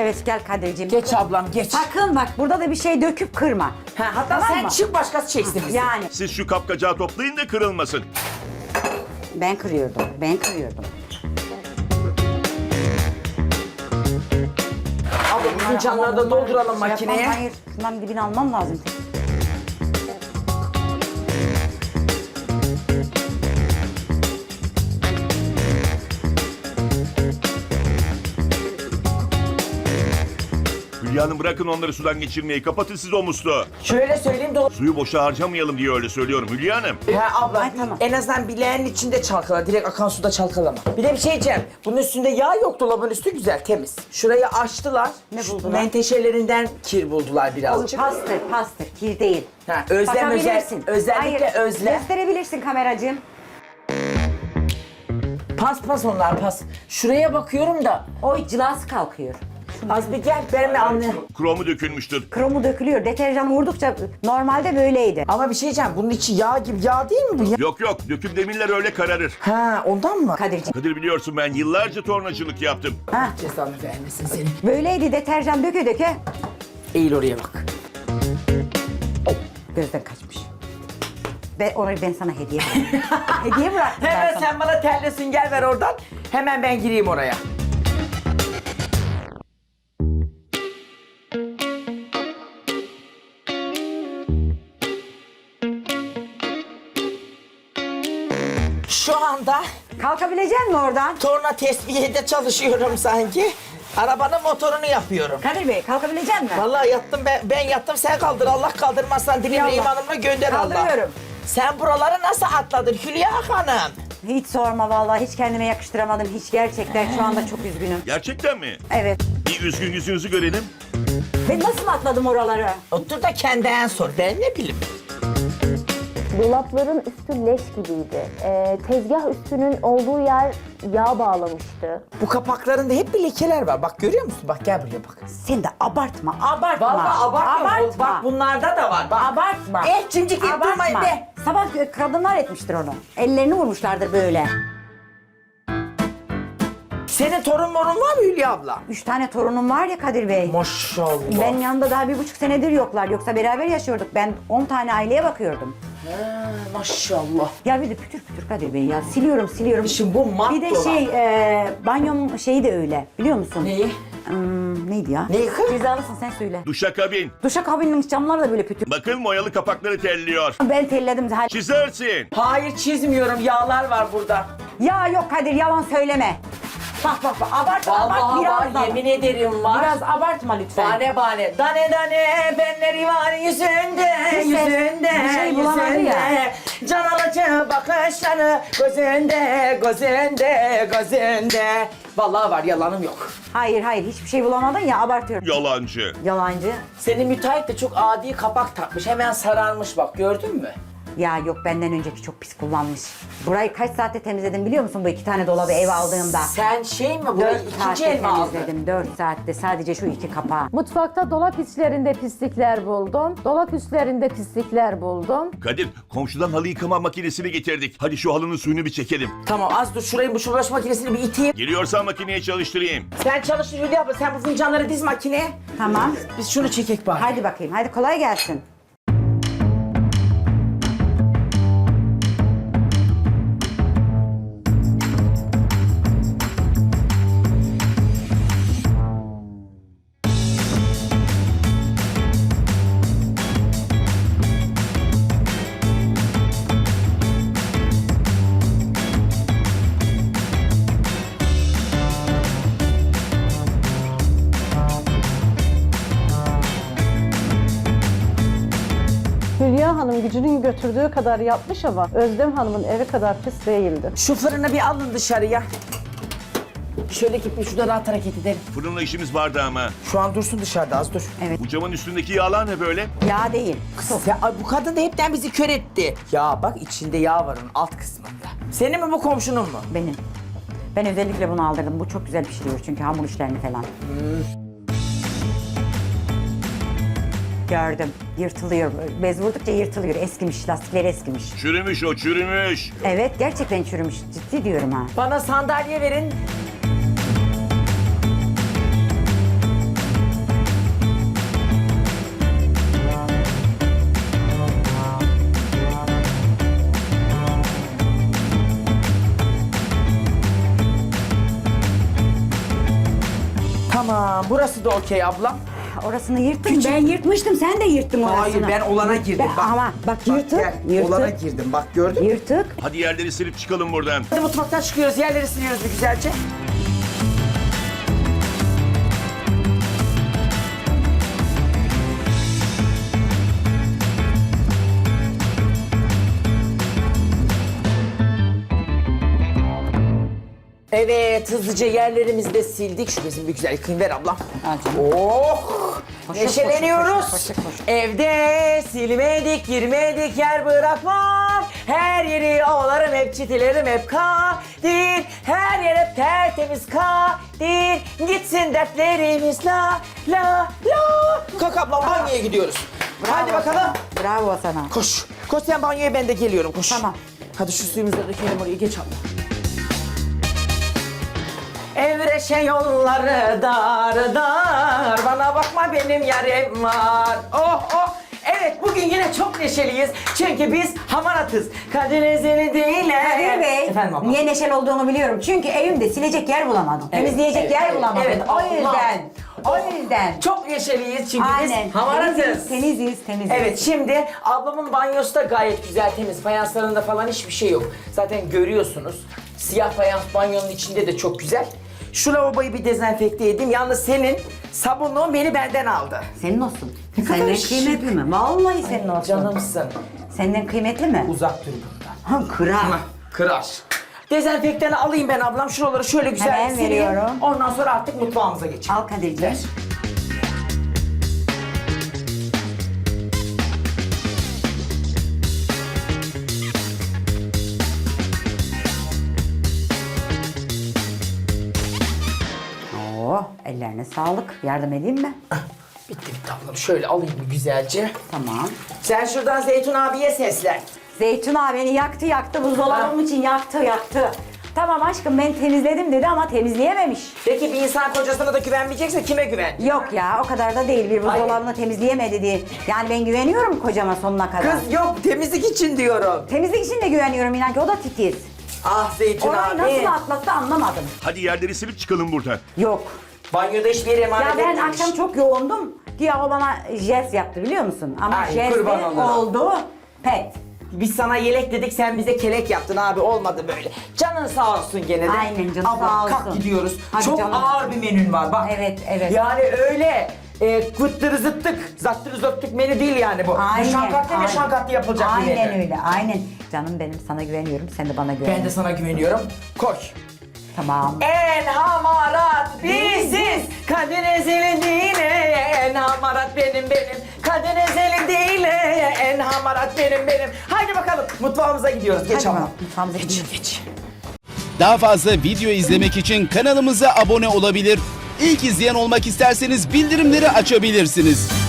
Evet gel Kadir'ciğim. Geç ablam geç. Sakın bak burada da bir şey döküp kırma. Ha, hatta Tamam sen mı? çık başkası çeksin bizi. Yani Siz şu kapkacağı toplayın da kırılmasın. ben kırıyordum. Abla bizim canları da dolduralım Şey makineye. yapmam, hayır. Şundan dibini almam lazım. Hülya Hanım bırakın onları sudan geçirmeyi. Kapatın siz o musluğu. Şöyle söyleyeyim de Suyu boşa harcamayalım diye öyle söylüyorum Hülya Hanım. Ha abla Ay, tamam. en azından bileğinin içinde çalkala. Direkt akan suda çalkalama. Bir de bir şey diyeceğim. Bunun üstünde yağ yok, dolabın üstü güzel temiz. Şurayı açtılar. Ne Şu buldular? menteşelerinden kir buldular birazcık. Pastır, kir değil. Ha, özlem Bakabilirsin. özellikle Hayır, özlem. gösterebilirsin kameracığım. Pas onlar pas. Şuraya bakıyorum da O cilası kalkıyor. az bir gel benimle anla. Kromu dökülmüştür. Kromu dökülüyor. Deterjan vurdukça normalde böyleydi. Ama bir şey diyeceğim. Bunun içi yağ gibi. Yağ değil mi bu? Yok döküm demirler öyle kararır. Ha ondan mı? Kadir'ciğim. Kadir biliyorsun ben yıllarca tornacılık yaptım. Ha, Cezanı vermesin seni. böyleydi deterjan döke. Eğil oraya bak. Gözden kaçmış. Ben sana hediye bıraktım. Hediye bıraktım ben Hemen sana. sen bana terle sünger ver oradan. Hemen ben gireyim oraya. Şu anda Kalkabilecek misin oradan? torna tesbihede çalışıyorum sanki. Arabanın motorunu yapıyorum. Kadir Bey kalkabilecek misin? Vallahi yattım ben yattım sen kaldır. Allah kaldırmazsan dilimle Allah. imanımla gönder Allah. Kaldırıyorum. Sen buraları nasıl atladın Hülya Hanım? Hiç sorma vallahi hiç kendime yakıştıramadım. Hiç gerçekten şu anda çok üzgünüm. Gerçekten mi? Evet. Bir üzgün yüzünüzü görelim. Ben nasıl atladım oraları? Otur da kendinden sor. Ben ne bileyim. Dolapların üstü leş gibiydi. Tezgah üstünün olduğu yer yağ bağlamıştı. Bu kapaklarında hep bir lekeler var. Bak görüyor musun? Bak gel buraya bak. Sen de abartma. Vallahi abartma. Bak bunlarda da var. Bak. Abartma. Cimcik deyip durmayın be. Sabah kadınlar etmiştir onu. Ellerini vurmuşlardır böyle. Senin torun morun var mı Hülya abla? 3 tane torunum var ya Kadir Bey. Maşallah. Ben yanında daha 1,5 senedir yoklar. Yoksa beraber yaşıyorduk. Ben 10 tane aileye bakıyordum. Maşallah. Ya bir de pütür pütür Kadir Bey ya. Siliyorum. Şimdi bu mat Bir de dolap. banyom şeyi de öyle. Biliyor musun? Neyi? Neydi ya? Neyi kız? Cezalısın sen söyle. Duşakabin. Duşakabinin camları da böyle pütür. Bakın moyalı kapakları telliyor. Ben telledim. Çizersin. Hayır çizmiyorum. Yağlar var burada. Ya yok Kadir yalan söyleme. Bak abart Vallahi biraz var. Yemin ederim var. Biraz abartma lütfen. Bane. Dane benleri var yüzünde. Bir şey bulamadı ya. Can alıcı bakışları gözünde. Vallahi var yalanım yok. Hayır hiçbir şey bulamadın ya abartıyorum. Yalancı. Yalancı. Senin müteahhit de çok adi kapak takmış. Hemen sararmış bak gördün mü? Ya yok benden önceki çok pis kullanmış. Burayı kaç saatte temizledim biliyor musun bu 2 tane dolabı eve aldığımda? Sen şey mi burayı 4 ikinci saatte el mi aldın? temizledim. 4 saatte sadece şu 2 kapağı. Mutfakta dolap içlerinde pislikler buldum. Dolap üstlerinde pislikler buldum. Kadir komşudan halı yıkama makinesini getirdik. Hadi şu halının suyunu bir çekelim. Tamam az dur şurayı bu çamaşır makinesini bir iteyim. Geliyorsan makineye çalıştırayım. Sen çalıştır Hülya abla sen bu fincanları diz makineye. Tamam. Biz şunu çekek bari. Hadi bakayım. Hadi kolay gelsin. Hülya Hanım gücünün götürdüğü kadar yapmış ama Özlem Hanım'ın evi kadar pis değildi. Şu fırını bir alın dışarıya. Şöyle gidip şurada rahat hareket edelim. Fırınla işimiz vardı ama. Şu an dursun dışarıda az dur. Evet. Bu camın üstündeki yağlar ne böyle? Yağ değil. Ya ay, bu kadın da hepten bizi kör etti. Ya bak içinde yağ var onun alt kısmında. Senin mi bu komşunun mu? Benim. Ben özellikle bunu aldırdım. Bu çok güzel pişiriyor çünkü hamur işlerini falan. Gördüm. Yırtılıyor. Bez vurdukça yırtılıyor. Eskimiş. Lastikleri eskimiş. Çürümüş o çürümüş. Evet gerçekten çürümüş. Ciddi diyorum ha. Bana sandalye verin. Tamam, burası da okey ablam. Orasını yırttın. Ben yırtmıştım. Sen de yırttın orasını. Hayır, ben olana girdim. Bak. Ama bak yırtık. Gel, olana girdim. Bak gördün mü? Yırtık. Hadi yerleri silip çıkalım buradan. Hadi mutfaktan çıkıyoruz, yerleri siliyoruz bir güzelce. Evet, hızlıca yerlerimizi de sildik. Şu bezimi bir güzel yıkayayım, ver ablam. Oh! Koşuk, Neşeleniyoruz. koşuk, koşuk, koşuk. Evde silmedik, girmedik, yer bırakmam. Her yeri ovalarım, hep çitilerim, hep kadir. Her yer hep tertemiz kadir. Gitsin dertlerimiz la la la. Kalk ablam, banyoya gidiyoruz. Hadi bakalım. Bravo sana. Koş. Koş sen banyoya, ben de geliyorum. Koş. Tamam. Hadi şu suyumuzu da dökelim oraya, geç abla. Evreşe yolları dar dar, bana bakma benim yarim var. Oh oh. Evet, bugün yine çok neşeliyiz. Çünkü biz hamaratız. Kadir ezeli değil. Kadir Bey, Efendim abla. niye neşeli olduğunu biliyorum. Çünkü evimde silecek yer bulamadım. Evet, Temizleyecek evet, yer evet, bulamadım. evet, O Allah. yüzden. O yüzden. Çok neşeliyiz çünkü Aynen. biz hamaratız. Temiziz. Evet, şimdi ablamın banyosu da gayet güzel, temiz. Fayanslarında falan hiçbir şey yok. Zaten görüyorsunuz. Siyah fayans banyonun içinde de çok güzel. Şu lavaboyu bir dezenfekte edeyim. Yalnız senin sabunluğun beni benden aldı. Senin olsun. Ne kadar Senden şık. kıymetli mi? Vallahi senin olsun. Canımsın. Senden kıymetli mi? Uzak dur bundan. Ha, kırar. Kırar. Dezenfektanı alayım ben ablam. Şuraları şöyle güzel Hemen sileyim. veriyorum. Ondan sonra artık mutfağımıza geçelim. Al Kadir'ciğim. Oo, ellerine sağlık. Yardım edeyim mi? Bitti ablam. Şöyle alayım bir güzelce. Tamam. Sen şuradan Zeytun abiye seslen. Zeytun abi beni yaktı. Buzdolabım için yaktı. Tamam aşkım ben temizledim dedi ama temizleyememiş. Peki bir insan kocasına da güvenmeyecekse kime güven? Yok ya o kadar da değil. Bir buzdolabını temizleyemedi diye. Yani ben güveniyorum kocama sonuna kadar. Kız yok, temizlik için diyorum. Temizlik için de güveniyorum inan ki o da titiz. Ah Zeytun Orayı abi. nasıl atlattı anlamadım. Hadi yerleri silip çıkalım buradan. Yok. Banyoda hiçbir yere emanet Ya ben etmemiş. akşam çok yoğundum. Güya o bana jest yaptı biliyor musun? Ama Ay, jest kurban olurum. oldu. Pet. Biz sana yelek dedik, sen bize kelek yaptın abi, olmadı böyle. Canın sağ olsun gene de. Aynen, canın Abla, sağ olsun. kalk gidiyoruz. Hadi çok canım. ağır bir menün var bak. Evet. Yani öyle kıttırı zıttık, zattırı zöptük menü değil yani bu. Aynen. Şankatlı ve aynen. şankatlı yapılacak bir menü. Aynen öyle. Aynen. Canım benim sana güveniyorum. Sen de bana güven. Ben de sana güveniyorum. Koş. Tamam. En hamarat biziz. Kadir ezeli değil. En hamarat benim. Kadir ezeli değil. En hamarat benim. Haydi bakalım mutfağımıza gidiyoruz. Geç Hadi ama. bakalım, mutfağımıza gidiyoruz. Geç. Daha fazla video izlemek için kanalımıza abone olabilir. İlk izleyen olmak isterseniz bildirimleri açabilirsiniz.